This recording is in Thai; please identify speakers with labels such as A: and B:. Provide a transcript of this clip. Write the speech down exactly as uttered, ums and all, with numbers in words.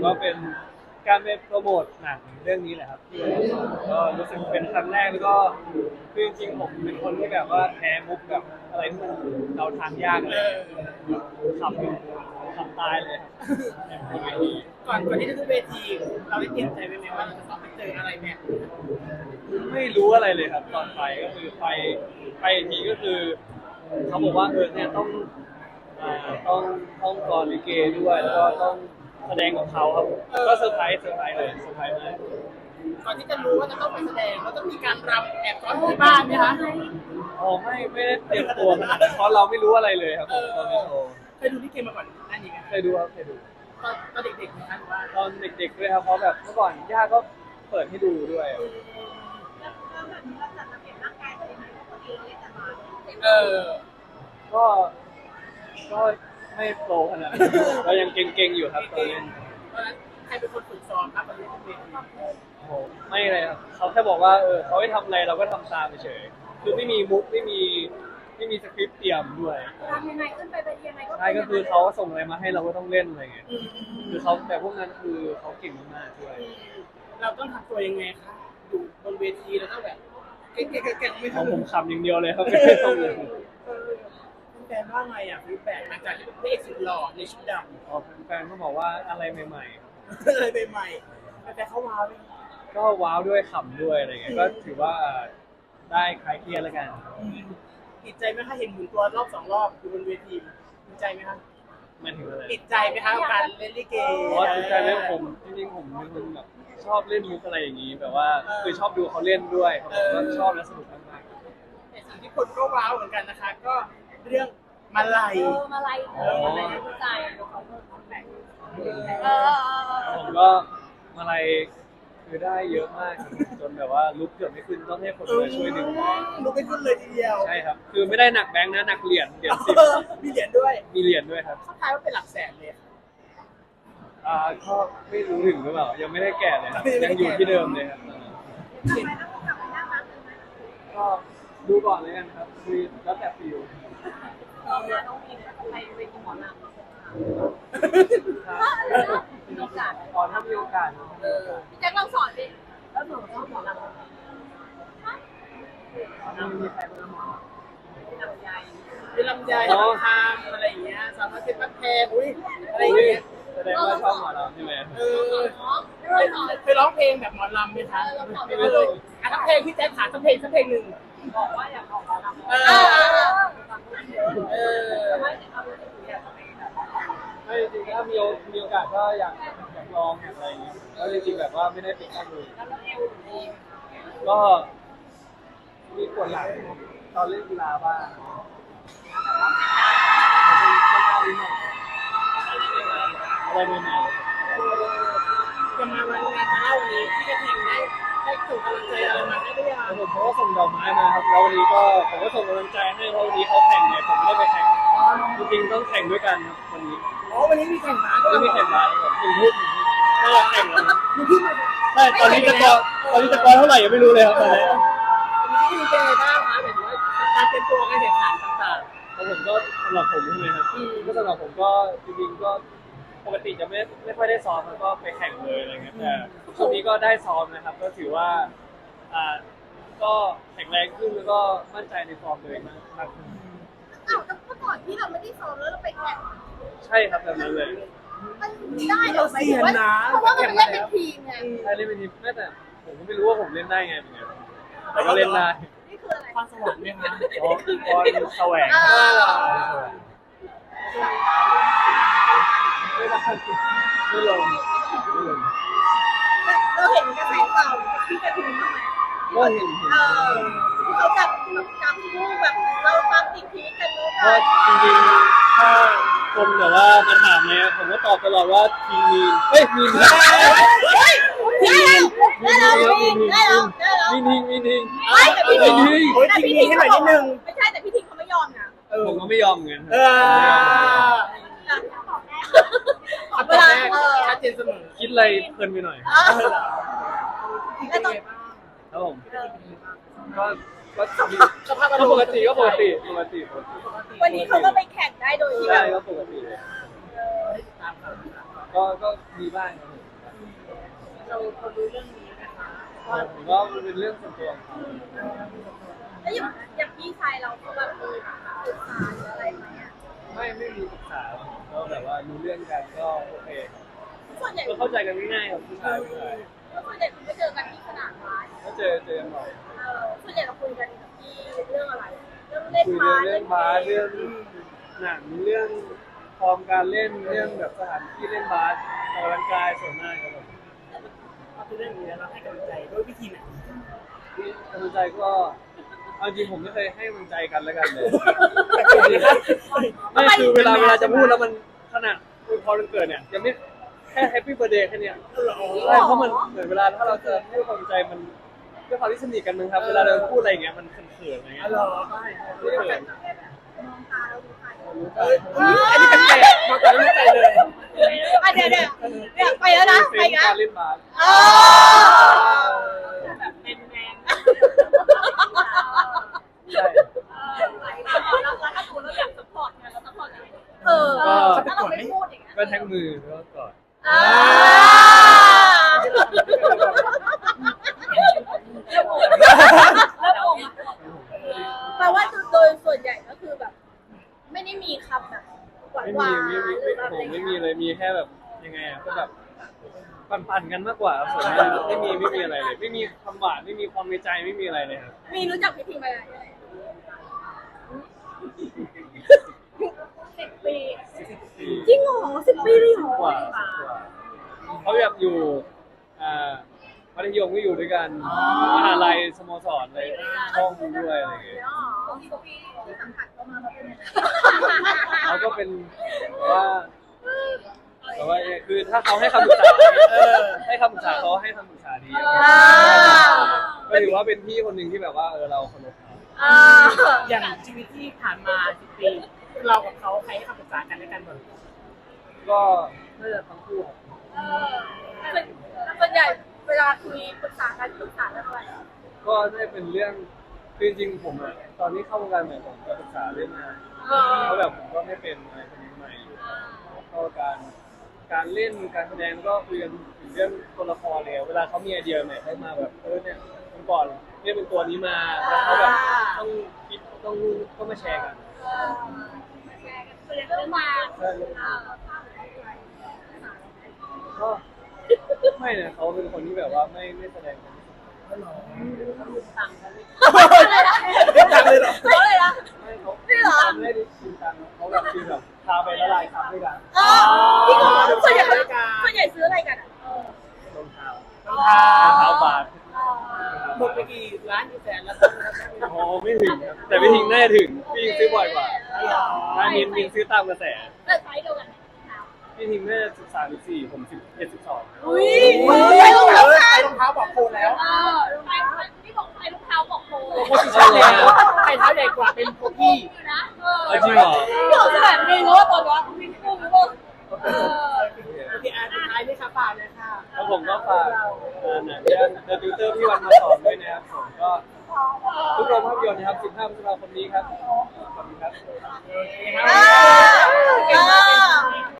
A: ก็เป็นการไปโปรโมทหนังเรื่องนี้แหละครับก็รู้สึกเป็นครั้งแรกแล้วก็คือจริงๆผมเป็นคนที่แบบว่าแพ้มุกกับอะไรที่มันเดาทางยากเลยขับขับตายเลยครับบนเวที
B: ก่อนก่อนที่จะขึ้นเวทีเราได้เตรียมใจไว้ไหมว่าเราจะต้องไปเจออะไรแบบ
A: ไม่รู้อะไรเลยครับตอนไปก็คือไปไปอีกทีก็คือเขาบอกว่าเออเนี่ยต้องอ่าต้องต้องกลอนลิเกด้วยแล้วก็ต้องแสดงกับเขาครับก็เซอร์ไพรส์เซอร์ไพรส์เลยเซอร์ไพรส์มาก
B: ก่อนที่จะรู้ว่าจะต้องไปแสดงเราต้องมีการรำแอบซ้อนที่บ้านไหมคะ
A: อ๋อไม่ไม่ได้เตรียมตัวขนาดนั้นเพราะเราไม่รู้อะไรเลยครับตอนนี้โต
B: เคยดูลิเกมาก่อนนั่นเอง
A: เคยดูครับเคยดู
B: ตอนตอนเด็กๆนะคะว่า
A: ตอนเด็กๆด้วยครับเพราะแบบเมื่อก่อนย่าก็เปิดให้ดูด้วย
B: เออ
A: ก็ก็ไม่โตขนาดนั้นก็ยังเก่งๆอยู่ครับตอนนี้
B: ตอนนั้นใครเป็นคนฝึกซ้อมครับตอนนี้ขึ้นเวที
A: โอ้โหไม่เลยครับเขาแค่บอกว่าเออเขาให้ทำอะไรเราก็ทำตามเฉยคือไม่มีมุกไม่มีไม่มีสคริปต์เตรียมด้วย
C: ทำยังไงขึ้นไปเป็นยังไงก็
A: ใช่ก็คือเขาส่งอะไรมาให้เราก็ต้องเล่นอะไรเงี้ยคือเขาแต่พวกนั้นคือเขาเก่งมากๆด้วย
B: เราต้องทำตัวยังไงคะอยู่บนเวทีเราต้องแบบเก่งๆๆไม่
A: ของผม
B: ทำ
A: ขำอย่างเดียวเลยครับไม่ได้ต้องเลย
B: แฟนว่าไงอ่ะฟีดแบ็กหลังจากที่เป็นพระเอกสุดหล่อในชุดดำ
A: อ๋อแฟนก็บอกว่าอะไรใหม่
B: ๆอะไรใหม่ๆแต่เขาว้าวเลย
A: ก็ว้าวด้วยขำด้วยอะไรเงี้ยก็ถือว่าได้คลายเครียดแล้วกัน
B: ติดใจไหมคะเห็นหมุนตัวรอบสองรอบอยู่บนเวทีติดใจไหมคะ
A: มันถึงอะไร
B: ติดใจไหมคะกับการเล่นลิเก
A: อ๋อติดใจไหมผมจริงๆผมเป็นคนแบบชอบเล่นมุกอะไรอย่างนี้แบบว่าคือชอบดูเขาเล่นด้วยก็ชอบและสนุกมาก
B: ๆแต่สิ่งที่คนก็ว้าวเหมือนกันนะคะก็เรื่องมาลัย
C: มาลัยเออมาลัยเข้าใจเออ
A: ผมก็มาลัยคือได้เยอะมากจนแบบว่าลุกเกือบไม่ขึ้นต้องให้คนมาช่วยดึง
B: ลุกไม่ขึ้นเลยทีเดียว
A: ใช่ครับคือไม่ได้หนักแบงค์นะหนักเหรียญเหรียญสิบ
B: มีเหรียญด้วย
A: มีเหรียญด้วยครับ
B: เขาทายว่าเป็นหลักแสนเลย
A: อ่าก็ไม่รู้ถึงหรือเปล่ายังไม่ได้แก่เลยครับยังอยู่ที่เดิมเลยครับก็ดูก่อนเลยกันครับคือแล้วแต่ฟิล
C: ต้องมีไปไปกินหมอลำมีโอกาส
A: อ๋อถ้ามีโอกาส
C: พี่แจ็คเราสอนดิแล้วหนูชอบหมอลำ
A: ถ้ามีใครมาหมอ
C: ลำไย
B: เป็นลำไยลำคามอะไรอย่างเงี้ยสามารถเป็นพักแพงอุ้ยอะไรอย่างเงี้ย
A: แสดงว่าชอบหมอลำใช่ไหม
B: เออเคยร้องเพลงแบบหมอลำไหมคะไม่เคยอ่ะทั้งเพลงพี่แจ็คขาทั้งเพลงทั้งเพลงหนึ่ง
C: บอกว่าอยากออกหมอลำเออ
B: เออ
A: ไม่จริงๆถ้ามีมีโอกาสก็อยากอยากลองอยากอะไรอย่างเงี้ยแล้วจริงๆแบบว่าไม่ได้ปิดกั้นเลยก็มีปวดหลังตอนเล่นกีฬาบ้างอะไรใหม่
B: ๆจะมาวันงานเล่าวันนี้พี่กระทิงได้ได้ส่งกำลังใจอะไรมาได้หรือยัง
A: ผมก็ส่งดอกไม้มาครับแล้ววันนี้ก็ผมก็ส่งกำลังใจให้เพราะวันนี้เขาแข่งไงผมไม่ได้ไปแข่งจริงๆต้องแข่งด้วยกันครับวันนี้
B: อ๋อวันนี้มีแข่งม้าด้วย
A: มีแข่งม้าครับหนึ่งทุ่มน่าจะแข่งแล้วใช่ตอนนี้จะกอตอนนี้จะกอเท่าไหร่ยังไม่รู้เลยครับตอนนี้
B: วันนี้เป็นไงบ้างคะแบบว่าการเตรียมตัวการแข่งขันต่าง
A: ๆแล้วผมก็สำหรับผมใช่ไหมครับก็สำหรับผมก็จริงๆก็ปกติจะไม่ไม่ค่อยได้ซ้อมแล้วก็ไปแข่งเลยอะไรเงี้ยแต่ช่วงนี้ก็ได้ซ้อมนะครับก็ถือว่าอ่าก็แข็งแรงขึ้นแล้วก็มั่นใจในฟอร์มตัวเองมากขึ้น
C: อ้าวแต่เมื่อก่อนที่เราไม่ได้ซ้อมแล้วเราไปแข่ง
A: ใช่ครับแบบนั้นเลย
C: มันได้เหรอไหมว่าเพราะว่ามันเล่นเป็นทีมไง
A: ใช่เล่นเป็นทีมแม้แต่ผมก็ไม่รู้ว่าผมเล่นได้ไงเหมือนกันแต่ก็เล่นได้
C: นี่คืออะไร
B: ความสวรรค์ไหมคะ
A: อ๋อคือพรแสวงไม่ได้ไม่ลงไม่ลง
C: เราเห็นกระแสข่าวที่กระถิ่นบ้างไหม
A: ก็เห็นเห็น
C: เขาจับแบบจับคู่แบบเราตามติดพีกันนู้น
A: ก็จริงๆถ้าคนแบบว่ามาถามเนี่ยผมก็ตอบตลอดว่าทีมมีนเฮ้ยมีนได้
C: แล้วได้แล้วมีนได้แล้วได้แล้ว
A: มีนิงมีนิง
C: ไม่แต่พี่ทิ้ง
B: แต่พี่ทิ้งให้หน่อยนิดนึง
C: ไม่ใช่แต่พี่ทิ้งเขาไม่ยอมนะ
A: ผมก็ไม่ยอมเหมือนกัน
B: เออขอบคุณแม่ชัดเจนเสมอ
A: คิดอะไรเพลินไปหน่อยครับผมก็ก็ก็ปกติก็ปกติปกติ
C: วันนี้เขาก็ไปแข่งได้โดยที่แบบ
A: ก็ปกติเลย
C: เ
A: ก็ก็มีบ้างครับผม
B: เราเรารู้เรื่องนี้นะคะว่า
A: ผมว่ามันเป็นเรื่องส่วนตัวของเขา
C: แล้วอย่างอย่างพี่ชายเราเขาแบบมีปรึกษาหรืออะไรไหมอ่ะ
A: ไม่ไม่มีปรึกษาก็แบบว่ารู้เรื่องกันก็โอเค
C: ส่วนใหญ่
A: ก็เข้าใจกันง่ายๆครับผู้ชายผู้ชาย
C: ส่วนใหญ่ไม่เจอกันที่สนามบาส
A: ก็เจอเจอกันบ่อย
C: เออส่วนใหญ่เราคุยกันที่เรื่องอะไร เรื่องเล่น
A: คุย
C: บาส
A: เรื่องบาสเรื่องหนังเรื่องฟอร์มการเล่นเรื่องแบบสถานที่เล่นบาสออกกำลังกายส่วนมากครับผม
B: เราคือเรื่องนี้แล้วเราให้กำลังใจด้วยวิธีไหน
A: ที่กำลังใจก็เอาจริงผมไม่เคยให้กำลังใจกันแล้วกันเลย ไม่คือเวลาเวลาจะพูดแล้วมันขนาดคุยพอวันเกิดเนี่ยยังไม่แค่แฮปปี้เบ t ร์ a เดย์แค่เนี้ยใช่เพราะมันเหมือนเวลาถ้าเราจะให้กำลังใจมันด้วยความที่สนิทกันมึงครับ เวลาเราพูดอะไรอย่างเงี้ยมันเขินๆอะไรเงี้ย
B: อ๋อเหรอ
A: ใช่ไม่เขิน
C: มองตาเราดูใคร
B: เอ้ยอันนี้เป็นแปลกมาแต่ไม่ใจเลย
C: อ่ะเดี๋ยวเดี๋ยวเดี๋ยวไปแล้วนะไป
A: เป็น
C: นะ
A: การเล่นบาส
C: เออ
B: แบบแมนแมน
A: ใช่
C: แล้วถ้าสมมติเราอยากสปอร์ตงานเราสปอร์ตยังไงเออถ้าเราไม่พูดอย่างเงี้ย
A: ก็แท็กมือแล้วก็กอด
C: อ่าแปลว่าโดยส่วนใหญ่ก็คือแบบ ไม่ได้มีคำแบบหวาน
A: ไม่
C: หวา
A: มี
C: น
A: ไม่มี
C: หรือ
A: ไม่
C: แบบ
A: ผ
C: อะไร
A: มไม่
C: เงี้
A: มี
C: ย
A: เลยมีแค่แบบยังไงอ่ะก็แบบปั่นๆกันมากกว่าครับส่วนมากไม่มีไม่มีอะไรเลย ไม่มีคำหวานไม่มีความในใจไม่มีอะไรเลยครับ
C: มีรู้จักพิธีมายังไงสิบปีจริงเหรอสิบปีเลยเหรอก
A: ว่าสิบกว่าเขาแบบอยู่อ่ามัธยมก็อยู่ด้วยกันมหาลัยสโมสรอะไรช่องด้วยอะไรอย่างเงี้ย
C: ที่ที่สังกัดก็มาเขาเป็นยังไง
A: เขาก็เป็นแบบว่าแต่ว่าคือถ้าเขาให้คำปรึกษาเออให้คำปรึกษาเขาให้คำปรึกษาดีก็ถือว่าเป็นพี่คนหนึ่งที่แบบว่าเออเราเคารพเขา
C: อ่า
B: อย่างชีวิตที่ผ่านมาสิบปีเรากับเขาใครให้คำปรึกษากันและกันบ่อย
A: ก็น่าจะทั้งคู่ครับ
C: เออส่วนใหญ่เวลาคุยปรึกษากันปรึกษาเรื่องอะไร
A: ก็น่าจะเป็นเรื่องคือจริงๆผมอะตอนที่เข้าวงการใหม่ผมจะปรึกษาเรื่องงาน
C: เออ
A: เพราะแบบผมก็ไม่เป็นอะไรคนนี้ใหม่อยู่ก็การการเล่นการแสดงก็คุยกันถึงเรื่องตัวละครเลยเวลาเขามีไอเดียใหม่ให้มาแบบเออเนี่ยเมื่อก่อนเนี่ยเป็นตัวนี้มาแล้วเขาแบบต้องคิดต้องก็มาแชร์กัน
C: เออส่วนใหญ่ก็เรื่องมา
A: ใช่ก็ไม่เนี่ยเขาเป็นคนที่แบบว่าไม่ไม่แสดงความรู้สึก
B: ต่างกันเลย
C: เรื่องจังเลยเหรอเขาเลยนะ
A: ไม่เขา
C: นี่เหรอ
A: ไม่ได้จริงจังเขาแบบคือแบบพาไปละลายคำด้วยกัน
C: เออพี่ก็ส่วนใหญ่ส่วนใหญ่ซื้ออะไรกันอ่ะเออ
A: รองเท้าร
B: องเท้าร
A: องเท้าบาท
B: หมดไปกี่ล้านกี่แสนแล้ว
A: โอ้ไม่ถึงครับแต่พี่ทิงน่าจะถึงพี่ทิงซื้อบ่อยกว่าถ้ามินมินซื้อตามกระแส
C: เลิกใช้เดียวกัน
A: พี่ทิงน่าจะสิบสามสิบสี่ผมสิบเอ็ดสิบสอง
C: อุ้ยใช้รองเท้า
B: ใส่รองเท้าบอกโคนแล้ว
C: เออรองเท้าที่บอกใช้รองเท้าบอกโค้
B: โคนใช่แล้วใส่เท้าใหญ่กว่าเป็นโคกี้
C: นะเออ
A: จริงเหรอ
C: พี่บอกสถานมีรู้ว่าตอนนี้มีคู่มีคู่เออ
B: โอเคอ่ะสุดท้ายนี่ค่ะฝากเลยค่ะ
A: แล้วผมก็ฝากหนังเรื่อง The Tutor พี่วันมาสอนด้วยนะครับผมก็ทุกโรงภาพยนตร์นะครับสิบห้าพฤษภาคมนี้ครับขอบคุณครับ
B: โอเคครับ
C: อ่า